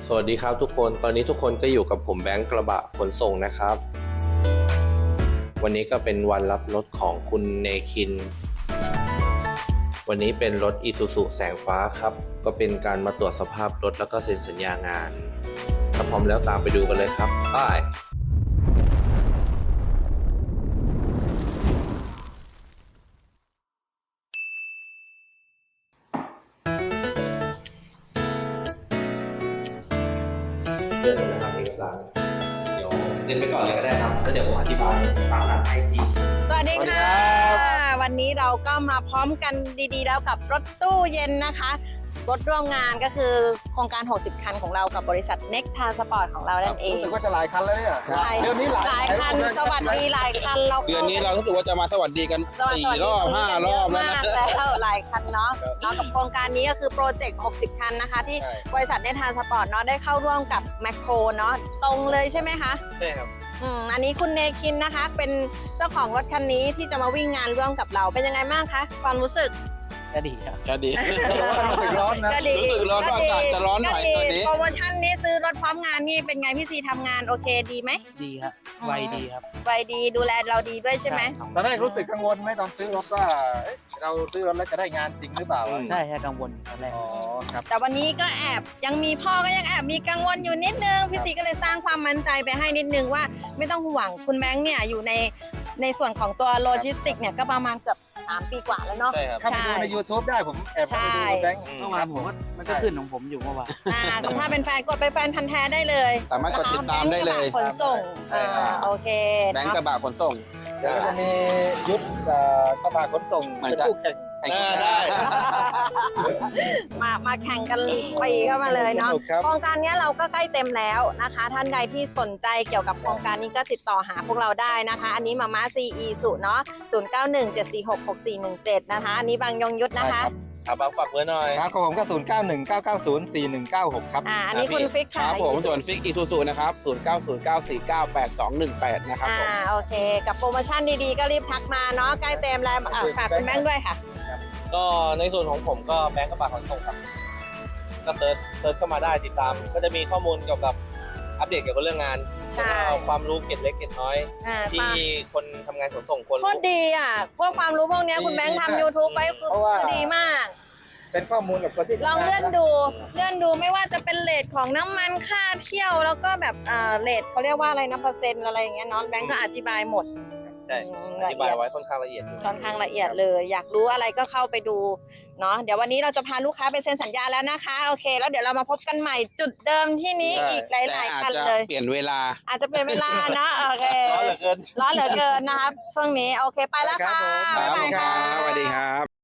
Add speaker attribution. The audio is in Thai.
Speaker 1: สวัสดีครับทุกคนตอนนี้ทุกคนก็อยู่กับผมแบงค์กระบะขนส่งนะครับวันนี้ก็เป็นวันรับรถของคุณเนคินวันนี้เป็นรถ Isuzu แสงฟ้าครับก็เป็นการมาตรวจสภาพรถแล้วก็เซ็นสัญญางานถ้าพร้อมแล้วตามไปดูกันเลยครับไปเรื่องนะครับเอกสารเดี๋ยวเรียนไปก่อนเลยก็ได้ครับแล้วเดี๋ยวผมอธิบายตามหลักให้ที
Speaker 2: สวัสดีค่ะวันนี้เราก็มาพร้อมกันดีๆแล้วกับรถตู้เย็นนะคะรถร่วมงานก็คือโครงการ60คันของเรากับบริษัท Next Transport ของเรานั่นเอง
Speaker 3: รู้สึกว่าจะหลายคันแล้วเนี่ยเดือนนี้หลาย
Speaker 2: คันสวัสดีหลายคันเรา
Speaker 4: เดือนนี้เรารู้สึกว่าจะมาสวัสดีกัน4 รอบ 5 รอบแล้วนะ
Speaker 2: แล้วหลายคันเนาะกับโครงการนี้ก็คือโปรเจกต์60คันนะคะที่บริษัท Next Transport เนาะได้เข้าร่วมกับแมคโครเนาะตรงเลยใช่ไหมคะ
Speaker 1: ใช่ครับ
Speaker 2: อันนี้คุณเนคินนะคะเป็นเจ้าของรถคันนี้ที่จะมาวิ่งงานร่วมกับเราเป็นยังไงบ้างคะความรู้สึก
Speaker 4: ก็ดีครับก็ดี
Speaker 3: รู้สึกร้อนนะ
Speaker 4: รู้สึกร้อนอากาศจะร้อนหน่อยตอนนี้
Speaker 2: โปรโมชั่นนี้ซื้อรถพร้อมงานนี่เป็นไงพี่ซีทำงานโอเคดีไหม
Speaker 5: ดีครับไวดีครับ
Speaker 2: ไวดีดูแลเราดีด้วยใช่ไหม
Speaker 3: ตอนแรกรู้สึกกังวลไหมตอนซื้อรถว่าเราซื้อรถแล้วจะได้งานจริงหรือเปล่า
Speaker 5: ใช่กังวลตอนแรก
Speaker 3: ครับ
Speaker 2: แต่วันนี้ก็แอบยังมีพ่อก็ยังแอบมีกังวลอยู่นิดนึงพี่ซีก็เลยสร้างความมั่นใจไปให้นิดนึงว่าไม่ต้องห่วงคุณแบงค์เนี่ยอยู่ในส่วนของตัวโลจิสติกเนี่ยก็ประมาณเกือบ3 ปีกว่าแล้วเนาะ
Speaker 3: เข้าไปดูใน YouTube ได้ผมแอบไปดูแบงค์
Speaker 5: เมื่อวานมันก็ขึ้นของผมอยู่เมื่อวาน
Speaker 2: ถ้าเป็นแฟนกดไปแฟนพันธุ์แท้ได้เลย
Speaker 4: สามารถกดติดตามได้เลย
Speaker 2: ขนส่งโอเค
Speaker 4: แบงค์กระบะขนส่ง
Speaker 3: แล้วก็จะมียุทธกระบะขนส่งเป็นคู่แข่ง
Speaker 4: ได้
Speaker 2: มาแข่งกันปีเข้ามาเลยเนาะโครงการนี้เราก็ใกล้เต็มแล้วนะคะท่านใดที่สนใจเกี่ยวกับโครงการนี้ก็ติดต่อหาพวกเราได้นะคะอันนี้มาม่า CE สุเนาะ0917466417นะคะอันนี้บางยงยุทธนะคะ
Speaker 4: ครับฝากเบอร์หน่อย
Speaker 3: ครับผมก็0919904196ครับ
Speaker 2: อันนี้คุณฟิกค่ะ
Speaker 4: ครับผมส่วนฟิกอีซูซูนะครับ0909498218นะครับ
Speaker 2: โอเคกับโปรโมชั่นดีๆก็รีบทักมาเนาะใกล้เต็มแล้วฝากคุณแบงค์ด้วยค่ะ
Speaker 1: ก็ในส่วนของผมก็แบงค์กระบะขนส่งครับก็เซิร์ชเข้ามาได้ติดตามก็จะมีข้อมูลเกี่ยวกับอัปเดตเกี่ยวกับเรื่องงานความรู้เก็บเล็กเก็บน้อยที่คนทำงานขนส่งคน
Speaker 2: โคตรดีอ่ะพวกความรู้พวกนี้คุณแบงค์ทำ YouTube ไว้คือดีมาก
Speaker 3: เป็นข้อมูลกับคนที่
Speaker 2: ลองเลื่อนดูไม่ว่าจะเป็นเรทของน้ำมันค่าเที่ยวแล้วก็แบบเรทเขาเรียกว่าอะไรนะเปอร์เซ็นต์อะไรอย่างเงี้ยน้องแบงค์ก็อธิบายหมด
Speaker 1: ใช่อธิบายไว้ค่อนข้างละเอียด
Speaker 2: เลยอยากรู้อะไรก็เข้าไปดูเนาะเดี๋ยววันนี้เราจะพาลูกค้าไปเซ็นสัญญาแล้วนะคะโอเคแล้วเดี๋ยวเรามาพบกันใหม่จุดเดิมที่นี้อีกหลายๆคันเลย
Speaker 4: เปลี่ยนเวลา
Speaker 2: อาจจะเปลี่ยนเวลาเนาะโอเคร้อนเหลือเกินนะครับช่วงนี้โอเคไปแล้วค่ะ
Speaker 4: บ๊ายบายครับสวัสดีครับ